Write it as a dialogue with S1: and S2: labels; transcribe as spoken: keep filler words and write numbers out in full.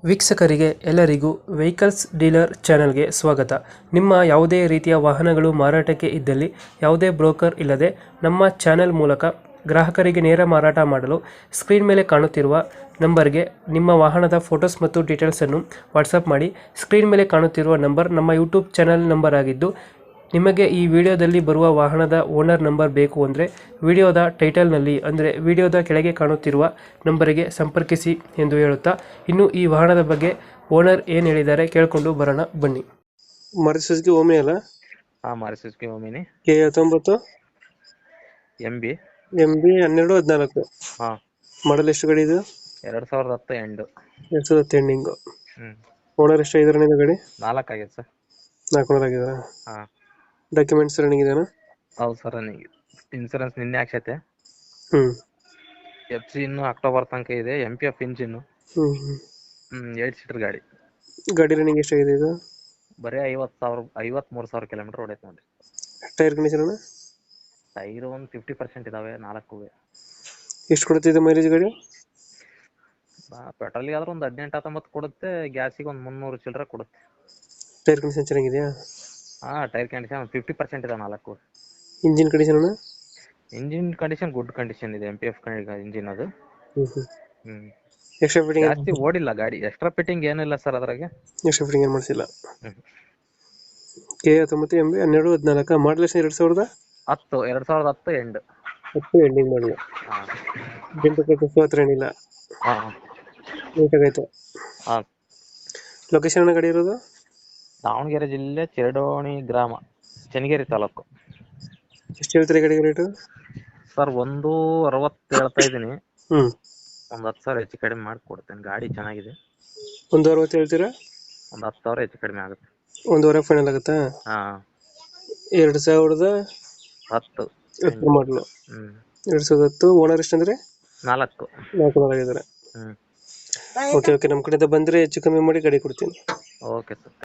S1: ವೀಕ್ಷಕರಿಗೆ ಎಲ್ಲರಿಗೂ vehicles dealer ಚಾನೆಲ್ಗೆ ಸ್ವಾಗತ. ನಿಮ್ಮ ಯಾವುದೇ ರೀತಿಯ ವಾಹನಗಳು ಮಾರಾಟಕ್ಕೆ ಇದ್ದಲ್ಲಿ ಯಾವುದೇ ಬ್ರೋಕರ್ ಇಲ್ಲದೆ ನಮ್ಮ ಚಾನೆಲ್ ಮೂಲಕ ಗ್ರಾಹಕರಿಗೆ ನೇರ ಮಾರಾಟ ಮಾಡಲು ಸ್ಕ್ರೀನ್ ಮೇಲೆ ಕಾಣುತ್ತಿರುವ ನಂಬರ್ಗೆ ನಿಮ್ಮ ವಾಹನದ ಫೋಟೋಸ್ ಮತ್ತು ಡೀಟೇಲ್ಸನ್ನು ವಾಟ್ಸಪ್ ಮಾಡಿ. ಸ್ಕ್ರೀನ್ ಮೇಲೆ ಕಾಣುತ್ತಿರುವ ನಂಬರ್ ನಮ್ಮ ಯೂಟ್ಯೂಬ್ ಚಾನೆಲ್ ನಂಬರ್ ಆಗಿದ್ದು, ನಿಮಗೆ ಈ ವಿಡಿಯೋದಲ್ಲಿ ಬರುವ ವಾಹನದ ಓನರ್ ನಂಬರ್ ಬೇಕು ಅಂದರೆ ವಿಡಿಯೋದ ಟೈಟಲ್ನಲ್ಲಿ ಅಂದರೆ ವಿಡಿಯೋದ ಕೆಳಗೆ ಕಾಣುತ್ತಿರುವ ನಂಬರಿಗೆ ಸಂಪರ್ಕಿಸಿ ಎಂದು ಹೇಳುತ್ತಾ, ಇನ್ನು ಈ ವಾಹನದ ಬಗ್ಗೆ ಓನರ್ ಏನು ಹೇಳಿದ್ದಾರೆ ಕೇಳಿಕೊಂಡು ಬರೋಣ ಬನ್ನಿ. ಮಾರುತಿ ಸುಜುಕಿ ಓಮಿನಿ ಅಲ್ಲ?
S2: ಹಾ ಮಾರುತಿ ಸುಜುಕಿ ಓಮಿನಿ
S1: ಕೆ ಹತ್ತೊಂಬತ್ತು
S2: ಎಂ ಬಿ
S1: ಎಂ ಬಿ ಹನ್ನೆರಡು ಹದಿನಾಲ್ಕು
S2: ಹಾ
S1: ಮಾಡಲ್ ಎಷ್ಟು ಗಾಡಿ ಇದು?
S2: ಎರಡ್ ಸಾವಿರದ ಹತ್ತು ಎಂಡು
S1: ಎರಡು ಸಾವಿರದ ಹತ್ತು ಎಂಡಿಂಗು.
S2: ಹ್ಮ್
S1: ಓನರ್ ಎಷ್ಟು ಐದರನೇ ಗಾಡಿ?
S2: ನಾಲ್ಕು ಆಗೈತೆ ಸರ್.
S1: ನಾಲ್ಕು ಓನರ್ ಆಗಿದಾರ?
S2: ಹಾ
S1: ಡಾಕ್ಯುಮೆಂಟ್ಸ್ ರನ್ನಿಂಗ್ ಇದೆಯಾ?
S2: ಹೌದು ಸರ್, ನನಗೆ ಇನ್ಸೂರೆನ್ಸ್ ನಿನ್ನೆ ಹಾಕ್ಸೈತೆ.
S1: ಹ್ಮ್
S2: ಎಫ್ ಸಿ ಇನ್ನು ಅಕ್ಟೋಬರ್ ತನಕ ಇದೆ. M P F engine.
S1: Hmm hmm
S2: hmm eight seater ಗಾಡಿ.
S1: ಗಾಡಿ ರನ್ನಿಂಗ್ ಎಷ್ಟಾಗಿದೆ ಇದು?
S2: ಬರೀ ಐವತ್ತು ಸಾವಿರ ಐವತ್ಮೂರು ಸಾವಿರ ಕಿಲೋಮೀಟರ್ ಹೊಡೈತೆ ನೋಡಿ.
S1: ಟೈರ್ ಕಂಡೀಷನ್
S2: ಟೈರ್ ಒಂದು ಫಿಫ್ಟಿ ಪರ್ಸೆಂಟ್ ಇದಾವೆ ನಾಲ್ಕು.
S1: ಎಷ್ಟು ಕೊಡುತ್ತಿದೆ ಮೈಲೇಜ್ ಗಾಡಿ?
S2: ಪೆಟ್ರೋಲ್ಗೆ ಆದ್ರೆ ಒಂದು ಹದಿನೆಂಟು ಹತ್ತೊಂಬತ್ತು ಕೊಡುತ್ತೆ, ಗ್ಯಾಸಿಗೆ ಒಂದು ಮುನ್ನೂರು ಚಿಲ್ಲರೆ ಕೊಡುತ್ತೆ.
S1: ಟೈರ್ ಕಂಡೀಷನ್ ಚೆನ್ನಾಗಿದೆಯಾ?
S2: ಹಾ ಟೈರ್ ಕಂಡೀಷನ್ ಫಿಫ್ಟಿ ಪರ್ಸೆಂಟ್ ಇದೆ ನಾಲ್ಕು.
S1: Engine condition?
S2: Engine condition good condition ಇದೆ. ಎಂ ಪಿ ಎಫ್ ಇಂಜಿನ್ ಅದು.
S1: Hmm hmm
S2: hmm
S1: extra fitting
S2: ಜಾಸ್ತಿ ಓಡಿಲ್ಲ ಗಾಡಿ. ಎಕ್ಸ್ಟ್ರಾ ಫಿಟ್ಟಿಂಗ್ ಏನಿಲ್ಲ ಸರ್ ಅದ್ರಾಗೆ.
S1: ಎಕ್ಸ್ಟ್ರಾ ಫಿಟ್ಟಿಂಗ್ ಏನು ಮಾಡಿಸಿಲ್ಲ.
S2: ಹ್ಮ್
S1: ಕೆ ಹತ್ತೊಂಬತ್ತು ಎಂ ಬಿ ಹನ್ನೆರಡು ಹದಿನಾಲ್ಕು ಮಾಡಲ್ ಎಷ್ಟು? ಎರಡು ಸಾವಿರದ
S2: ಹತ್ತು ಎರಡ್ ಸಾವಿರದ ಹತ್ತು ಎಂಡ್
S1: ಹತ್ತು ಎಂಡಿಂಗ್ ಮಾಡಲು.
S2: ಹಾ
S1: ಡೆಂಟು ಹತ್ರ ಏನಿಲ್ಲ,
S2: ಹಾ
S1: ನೀಟಾಗೈತೆ.
S2: ಹಾ
S1: ಲೊಕೇಶನ್ ಗಾಡಿ ಇರೋದು?
S2: ದಾವಣಗೆರೆ ಜಿಲ್ಲೆ ಚಿರಡೋಣಿ ಗ್ರಾಮ, ಚನ್ನಗಿರಿ ತಾಲೂಕು.
S1: ಎಷ್ಟು ಹೇಳ್ತೀರಿ ಗಾಡಿಗೆ ರೇಟು?
S2: ಸರ್ ಒಂದು ಅರವತ್ತು ಹೇಳ್ತಾ ಇದ್ದೀನಿ.
S1: ಹ್ಮ್
S2: ಒಂದು ಹತ್ತು ಸಾವಿರ ಹೆಚ್ಚು ಕಡಿಮೆ ಮಾಡಿ ಕೊಡ್ತೇನೆ. ಗಾಡಿ ಚೆನ್ನಾಗಿದೆ.
S1: ಒಂದು ಅರವತ್ತು ಹೇಳ್ತೀರಾ?
S2: ಒಂದು ಹತ್ತು ಸಾವಿರ ಹೆಚ್ಚು ಕಡಿಮೆ ಆಗುತ್ತೆ.
S1: ಒಂದೂವರೆ ಫೈನಲ್ ಆಗುತ್ತಾ?
S2: ಹಾ
S1: ಎರಡು ಸಾವಿರದ
S2: ಹತ್ತು
S1: ಹತ್ತು ಮಾಡಲು.
S2: ಹ್ಮ್
S1: ಎರಡು ಸಾವಿರದ ಹತ್ತು. ಓನರ್ ಎಷ್ಟಂದ್ರೆ?
S2: ನಾಲ್ಕು.
S1: ನಾಲ್ಕು ಓನರ್ ಆಗಿದ್ದಾರೆ.
S2: ಹ್ಮ್
S1: ಓಕೆ ಓಕೆ ನಮ್ಮ ಕಡೆಯಿಂದ ಬಂದರೆ ಹೆಚ್ಚು ಕಮ್ಮಿ ಮಾಡಿ ಗಾಡಿ ಕೊಡ್ತೀನಿ.
S2: Okay sir.